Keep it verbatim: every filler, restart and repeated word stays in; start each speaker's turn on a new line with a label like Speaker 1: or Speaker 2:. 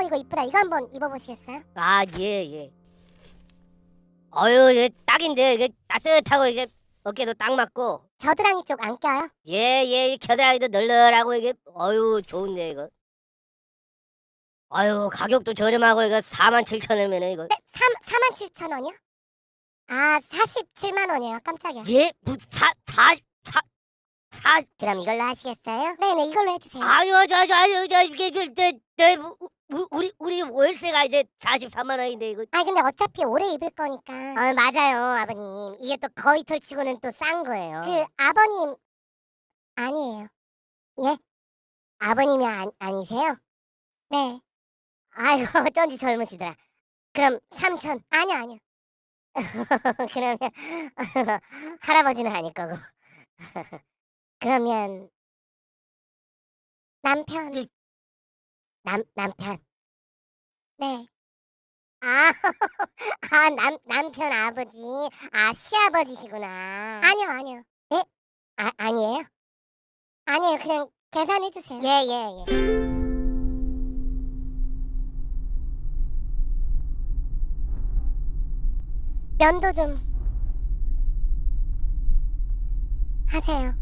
Speaker 1: 이거 이쁘다. 이거 한번 입어보시겠어요?
Speaker 2: 아, 예, 예. 어유, 이게 딱인데 이게 따뜻하고 이게 어깨도 딱 맞고.
Speaker 1: 겨드랑이 쪽 안 껴요?
Speaker 2: 예, 예. 겨드랑이도 널널하고 이게 어유 좋은데 이거. 아유, 가격도 저렴하고 이거 사만 칠천 원이면 이거.
Speaker 1: 네, 사만 칠천 원이요? 아, 사십칠만 원이에요. 깜짝이야.
Speaker 2: 예, 무사 사 사 사.
Speaker 1: 그럼 이걸로 하시겠어요? 네네, 이걸로 해주세요.
Speaker 2: 아유, 저, 저, 아유, 저, 이게, 저, 저, 저, 우- 우리, 우리 월세가 이제 사십삼만 원인데, 이거.
Speaker 1: 아니 근데 어차피 오래 입을 거니까. 어, 맞아요, 아버님. 이게 또 거의 털치고는 또 싼 거예요. 그 아버님 아니에요. 예? 아버님이 아, 아니세요? 네. 아이고 어쩐지 젊으시더라. 그럼 삼천. 아니요, 아니요. 그러면 할아버지는 아닐 거고. 그러면 남편.
Speaker 2: 예.
Speaker 1: 남 남편. 네. 아, 아, 남, 남편 아버지. 아, 시아버지시구나. 아니요, 아니요. 예? 아, 아니에요? 아니에요. 그냥 계산해주세요. 예, 예, 예. 면도 좀 하세요.